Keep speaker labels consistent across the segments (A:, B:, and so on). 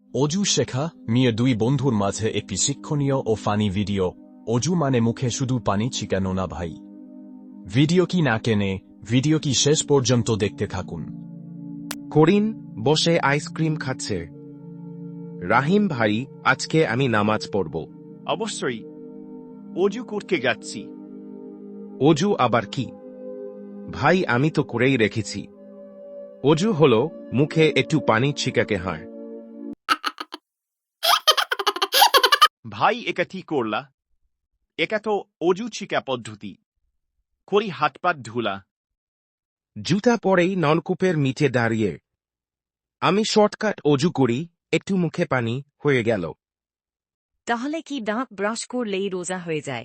A: অজু শেখা মিয়া দুই বন্ধুর মাঝে একটি শিক্ষণীয় ও ফানি ভিডিও। অজু মানে মুখে শুধু পানি ছিটানো না ভাই। ভিডিও কি না কেনে, ভিডিও কি শেষ পর্যন্ত দেখতে থাকুন।
B: করিন বসে আইসক্রিম খাচ্ছে। রাহিম ভাই, আজকে আমি নামাজ পড়ব।
C: অবশ্যই। অজু করতে যাচ্ছি।
B: অজু আবার কি? ভাই, আমি তো করেই রেখেছি। অজু হলো মুখে একটু পানি ছিটাকে হয়।
C: ভাই, একা কি করলা? একা তো অজু ছিকা পদ্ধতি। করি হাত পাত ধুলা।
B: জুতা পরেই নলকূপের নিচে দাঁড়িয়ে আমি শর্টকাট অজু করি, একটু মুখে পানি হয়ে গেল।
D: তাহলে কি দাঁত ব্রাশ করলেই রোজা হয়ে যায়?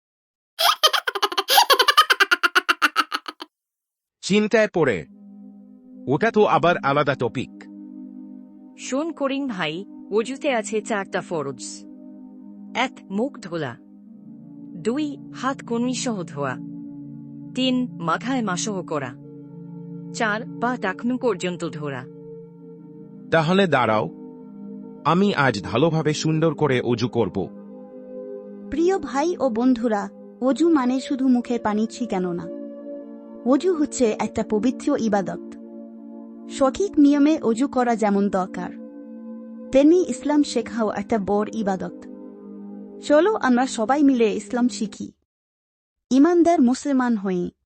B: চিন্তায় পড়ে, ওটা তো আবার আলাদা টপিক।
D: শোন করিম ভাই, অজুতে আছে 4টা ফরজ। 1. মুখ ধোলা। 2. হাত কনুই সহ ধোয়া। 3. মাথায় মাসহ করা। 4. পা টাকনু পর্যন্ত ধোয়া।
B: তাহলে দাঁড়াও, আমি আজ ভালোভাবে সুন্দর করে অজু করব।
E: প্রিয় ভাই ও বন্ধুরা, অজু মানে শুধু মুখের পানি ছিটানো না। অজু হচ্ছে একটা পবিত্র ইবাদত। সঠিক নিয়মে অজু করা যেমন দরকার, তেমনি ইসলাম শেখাও একটা বড় ইবাদত। চলো আমরা সবাই মিলে ইসলাম শিখি, ইমানদার মুসলমান হই।